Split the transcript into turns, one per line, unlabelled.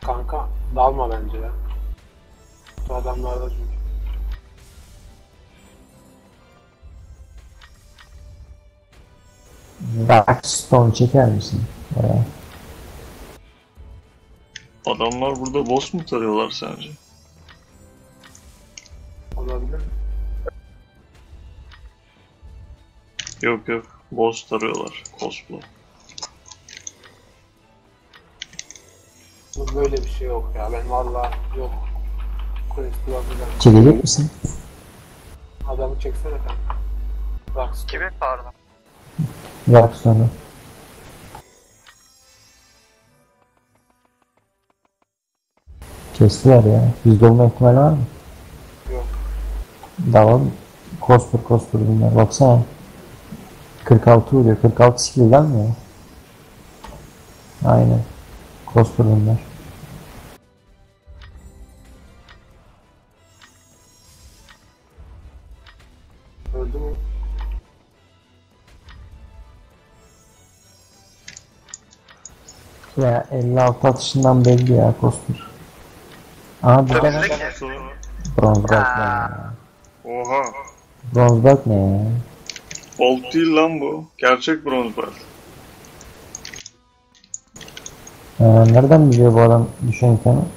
Kanka dalma bence ya. Bu adamlarda çünkü.
Darkstone çeker misin? Oraya.
Adamlar burada boss mu tarıyorlar sence?
Olabilir mi?
Yok yok. Boss tarıyorlar. Cosplay.
Bu böyle bir şey yok ya. Ben vallahi yok. Quest'i bakacağım.
Çekecek misin?
Adamı çeksene kanka. Bak.
Kimi pardon?
Darkstone'u. Kestiler ya. Yüzde olma ihtimali var mı?
Yok.
Dalalım. Kospur bunlar. Baksana. 46 vuruyor. 46 skill'den mi ya? Aynen. Kospur bunlar.
Öldü mü?
Ya 56 atışından belli ya Kospur. Aha bir de
Önümüzdeki.
bronz bak ne ya.
Oha.
Bronz bak ne ya.
Bolt değil lan bu. Gerçek bronz belt.
Nereden biliyor bu adam düşen kanı?